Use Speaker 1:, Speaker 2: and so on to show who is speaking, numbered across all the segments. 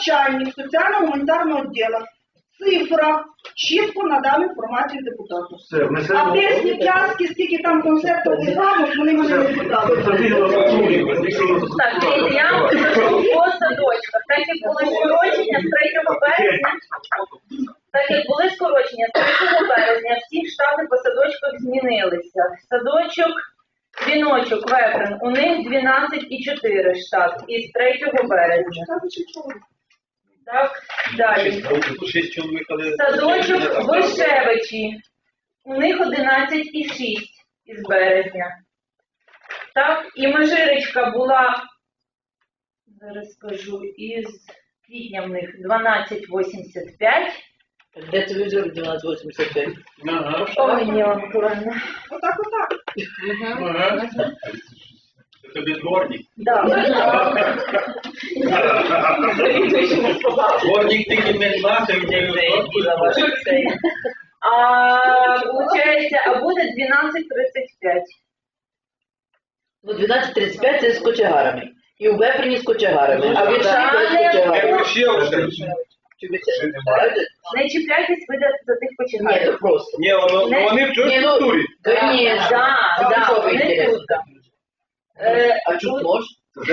Speaker 1: начальник соціально-гуманітарного відділу в цифрах чітко надав інформацію депутату. А без Снікянські, скільки там концертів рамок, вони мене не питали.
Speaker 2: Так, я вам скажу по садочках. Так як були скорочення з 3 березня, всі штати по садочках змінилися. Садочок, дзвіночок, Вепрен, у них 12,4 штат із 3 березня. Так, далі. Садочок Вишевичі, у них 11,6 із березня. Так, і Межиречка була, зараз скажу, із квітня в них 12,85.
Speaker 3: Де ти взяв 12,85?
Speaker 2: Ой, Ніла Миколаївна.
Speaker 1: Отак.
Speaker 4: Це бездворник. Дворник тільки не знати, мені
Speaker 2: а буде 12,35.
Speaker 3: Ну, 12,35 це з кочегарами. І у Вепрені з кочегарами. А в Віршані з кочегарами.
Speaker 2: Не чіпляйтесь ви за тих
Speaker 3: Ні,
Speaker 2: починають.
Speaker 3: то просто.
Speaker 4: Ні, вони в цій структурі.
Speaker 3: Так,
Speaker 2: вони тут.
Speaker 3: А чуть може?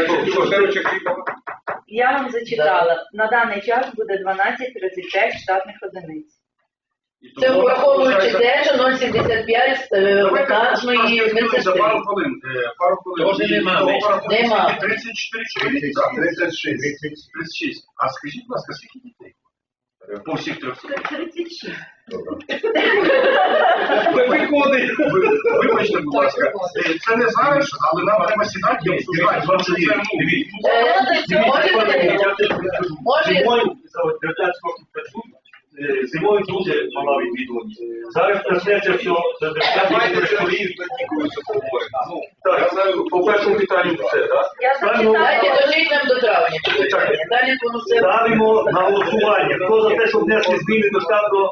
Speaker 2: Я вам зачитала. На даний час буде 12,35 штатних одиниць.
Speaker 3: Це враховуючи те, що 0,75 вакантної медсестри.
Speaker 4: Пару хвилин. Тоже нема. 36. А скажіть, будь ласка, скільки дітей? По всіх 300.
Speaker 2: 36.
Speaker 4: Виходить. Вибачте, будь ласка. Це не зараз, але нам треба сідати і обсуждати.
Speaker 2: Може,
Speaker 5: Зимою дуже мала відвідуваність. Зараз почнеться все,
Speaker 4: Я знаю, по першому питанню все, так?
Speaker 2: я зачитала.
Speaker 3: Дайте дожить нам до травня. Далі воно все.
Speaker 5: ставимо на голосування. Хто за те, щоб внести зміни до штату?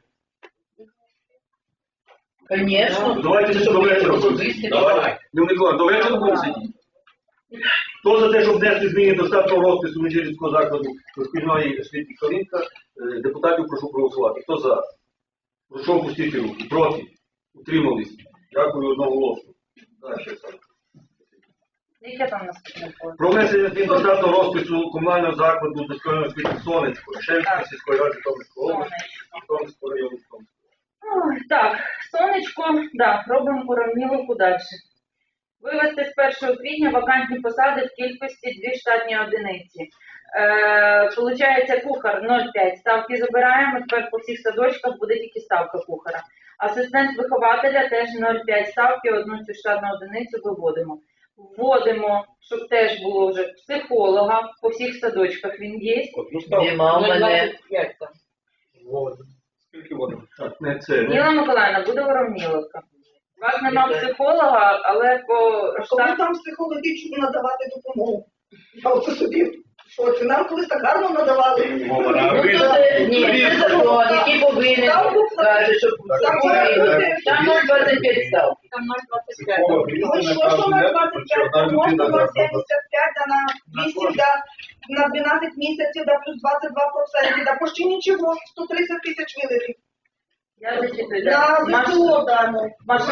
Speaker 3: Звісно.
Speaker 5: Давайте до вечора.
Speaker 4: Давай. Микола, до вечора будемо сидіти.
Speaker 5: Хто за те, щоб внести зміни до штатного розпису Межирицького закладу дошкільної освіти Калинка, депутатів прошу проголосувати. Хто за? Прошу опустити руки. Проти? Утримались? Дякую одноголосно.
Speaker 2: Яке там наступне поле?
Speaker 5: Про внесення змін до штатного розпису комунального закладу дошкільної освіти Сонечко, Шевської сільської ради Житомирської області, Житомирського району.
Speaker 2: Так, сонечко, робимо уравніловку далі. Вивести з 1 квітня вакантні посади в кількості 2 штатні одиниці. Получається, кухар 0,5 ставки забираємо, тепер по всіх садочках буде тільки ставка кухара. Асистент вихователя теж 0,5 ставки, одну цю штатну одиницю виводимо. Вводимо, щоб теж було вже психолога, по всіх садочках він є.
Speaker 3: Нема у мене.
Speaker 4: Скільки води?
Speaker 5: Так, не це.
Speaker 2: Ніла Миколаївна, буде уравніловка. У вас нема психолога, але по
Speaker 1: Коли там психологічно надавати допомогу? Я от собі, що це нам колись так гарно надавали.
Speaker 3: Ні, це закон, який повинен, каже, що повинен. Там 0,25 став.
Speaker 2: Там
Speaker 1: 0,25. Що 0,25? Можна 0,75, да на 8, да на 12 місяців, да плюс 22%, да почти нічого, 130 тисяч вилетів.
Speaker 2: Я зачитую.
Speaker 1: На ЗСУ дамо.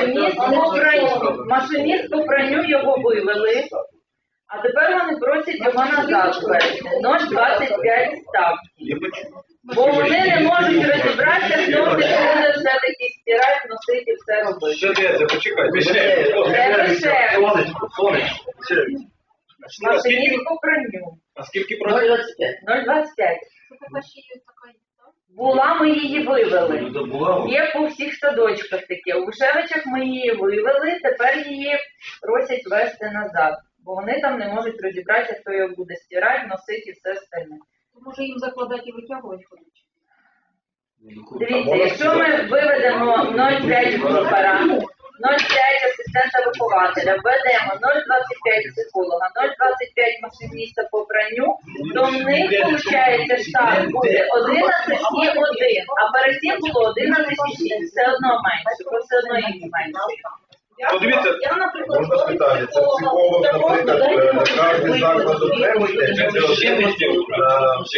Speaker 2: Машиніст по пранню його вивели, а тепер вони просять його назад ввести. 0,25 ставки. Бо вони не можуть розібратися, хто буде все-таки стирати, носити, все робити.
Speaker 4: Ще де це? Почекай.
Speaker 5: Сонечко.
Speaker 2: Машиніст по пранню.
Speaker 4: А скільки просить?
Speaker 3: 0,25.
Speaker 2: 0,25. Була, ми її вивели. Є по всіх садочках таке. У Вишевичах ми її вивели, тепер її просять вести назад. Бо вони там не можуть розібратися, хто його буде стирати, носити і все остальне.
Speaker 6: Може їм закладати і витягувати ходить?
Speaker 2: Дивіться, якщо ми виведемо 0,5 кухара, 0,5 асистента вихователя, введемо 0,25 психолога, 0,25 машиніста по пранню, то в них, виходить, штат буде 11,1, а перед цим було 11,6, все одно менше, бо все одно їх менше.
Speaker 4: Подивіться,
Speaker 1: Я, наприклад,
Speaker 7: Можна спитати, це психолог, наприклад, кожен заклад окремий, чи це